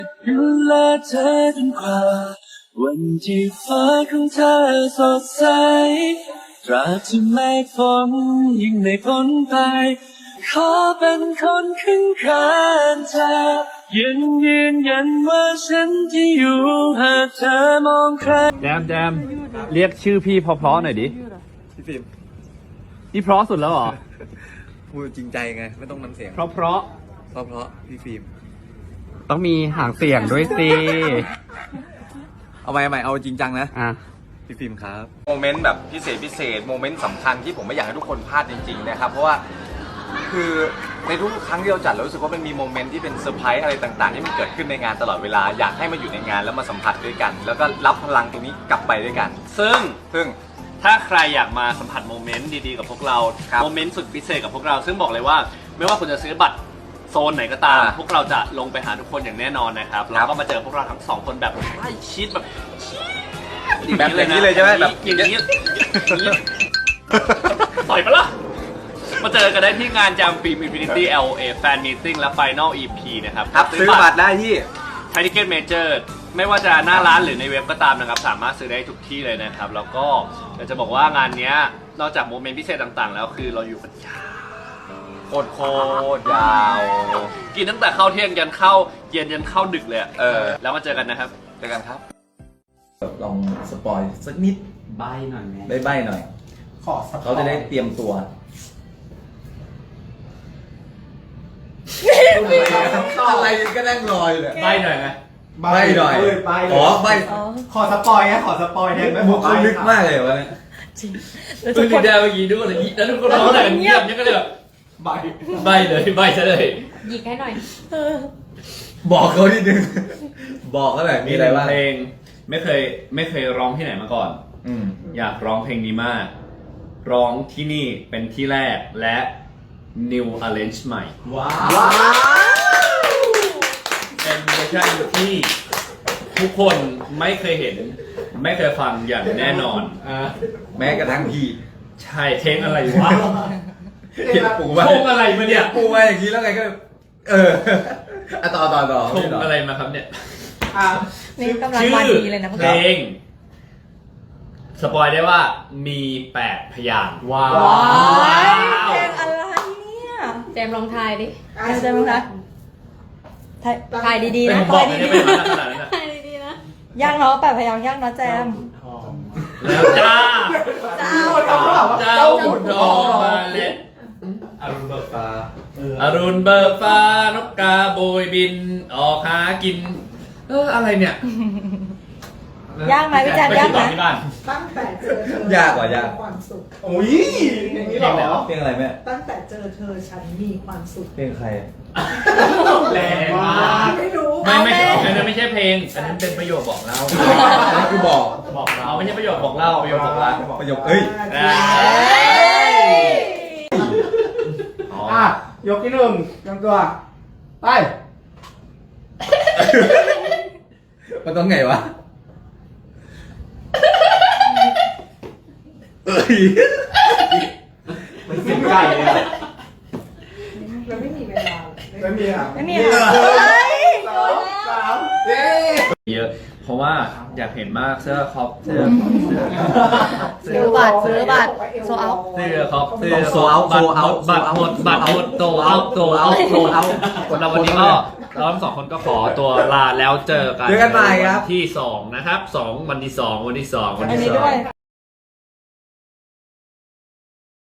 ดูแลเธอจนกว่าวันที่ฟ้าของเธอสดใสตราบที่ไม่ฝนยิ่งไม่พ้นไปขอเป็นคนข้างข้างเธอยืนยันว่าฉันที่อยู่หากเธอมองใครแจมเรียกชื่อพี่เพราะๆหน่อยดิพี่ฟิล์มนี่เพราะสุดแล้วเหรอพูดจริงใจไงไม่ต้องน้ำเสียงเพราะพี่ฟิล์มต้องมีหางเสียงด้วยสิเอาใหม่เอาจริงจังนะพี่ฟิล์มครับโมเมนต์แบบพิเศษโมเมนต์สำคัญที่ผมไม่อยากให้ทุกคนพลาดจริงๆนะครับเพราะว่าคือในทุกครั้งที่เราจัดเรารู้สึกว่ามันมีโมเมนต์ที่เป็นเซอร์ไพรส์อะไรต่างๆที่มันเกิดขึ้นในงานตลอดเวลาอยากให้มาอยู่ในงานแล้วมาสัมผัสด้วยกันแล้วก็รับพลังตรงนี้กลับไปด้วยกันซึ่งถ้าใครอยากมาสัมผัสโมเมนต์ดีๆกับพวกเราโมเมนต์สุดพิเศษกับพวกเราซึ่งบอกเลยว่าไม่ว่าคุณจะซื้อบัตรโซนไหนก็ตามพวกเราจะลงไปหาทุกคนอย่างแน่นอนนะครับแล้วก็มาเจอพวกเราทั้งสองคนแบบใกล้ชิดแบบอย่างนี้เลยใช่ไหมแบบอย่างนี้ต่อยปะล่ะมาเจอกันได้ที่งานจามฟิล์ม Infinity LA Fan Meeting และ Final EP นะครับซื้อบัตรได้ที่ไทยทิเก็ตเมเจอร์ไม่ว่าจะหน้าร้านหรือในเว็บก็ตามนะครับสามารถซื้อได้ทุกที่เลยนะครับแล้วก็อยากจะบอกว่างานนี้นอกจากโมเมนต์พิเศษต่างๆแล้วคือเราอยู่กันยาวโคตรยาวกินตั้งแต่เข้าเที่ยงยันเข้าเย็นยันเข้าดึกเลยแล้วมาเจอกันนะครับเจอกันครับลองสปอยสักนิดใบหน่อยไหมใบหน่อยเขาจะได้เตรียมตัวอะไรก็นั่งรออยู่เลยใบหน่อยไหมใบหน่อยอ๋อใบขอสปอยไงขอสปอยเนี่ยมุกเขาลึกมากเลยวะเนี่ยจริงแล้วทุกคนได้เมื่อกี้ด้วยแล้วทุกคนร้องอะไรกันเงียบเนี่ยก็เลยแบบใบเลยใบซะเลยหยิกให้หน่อยบอกเขานิดนึงบอกเขาหน่อยมีอะไรบ้างเพลงไม่เคยร้องที่ไหนมาก่อนอยากร้องเพลงนี้มากร้องที่นี่เป็นที่แรกและ New Arrange ใหม่ว้าวเป็นเวอร์ชันที่ทุกคนไม่เคยเห็นไม่เคยฟังอย่างแน่นอนแม้กระทั่งพี่ใช่เพลงอะไรวะเห็นปูมาชงอะไรมาเนี่ยปูมาอย่างนี้แล้วไงก็ต่อชงอะไรมาครับเนี่ยนี่กำลังมาดีเลยนะเพลงสปอยได้ว่ามี8พยางค์ว้าวเพลงอะไรเนี่ยแจมลองทายดิแจมลองทายดีๆนะทายดีๆนะยากเนาะ8พยางค์ยากเนาะแจมแล้วจ้าขุนทองมาเล็ดอรุณเบิกฟ้านกกาโบยบินออกหากินอะไรเนี่ยยากไหมพี่แจมยากไหมตั้งแต่เจอเธอยากกว่ายากความสุขโอ้ยอย่างนี้หรอเพลงอะไรแม่ตั้งแต่เจอเธอฉันมีความสุขเพลงใครแรงมากไม่รู้ไม่ใช่เพลงอันนั้นเป็นประโยคบอกเล่าอันนั้นคือบอกเราไม่ใช่ประโยคบอกเล่าประโยคบอกเล่าประโยคเอ้ยยกที่หนึ่งจำตัวไปมันต้องไงวะมันเสียงไก่เลยเราไม่มีเวลาไม่มีอ่ะ3 เยอะเพราะว่าอยากเห็นมากเสื้อคอปซื้อบัตรโซเอาเสื้อคอปเสื้อโซเอาบัตรหมดโตเอาเราวันนี้ก็เราทั้งสองคนก็ขอตัวลาแล้วเจอกันใหม่ครับที่2นะครับ2วันที่2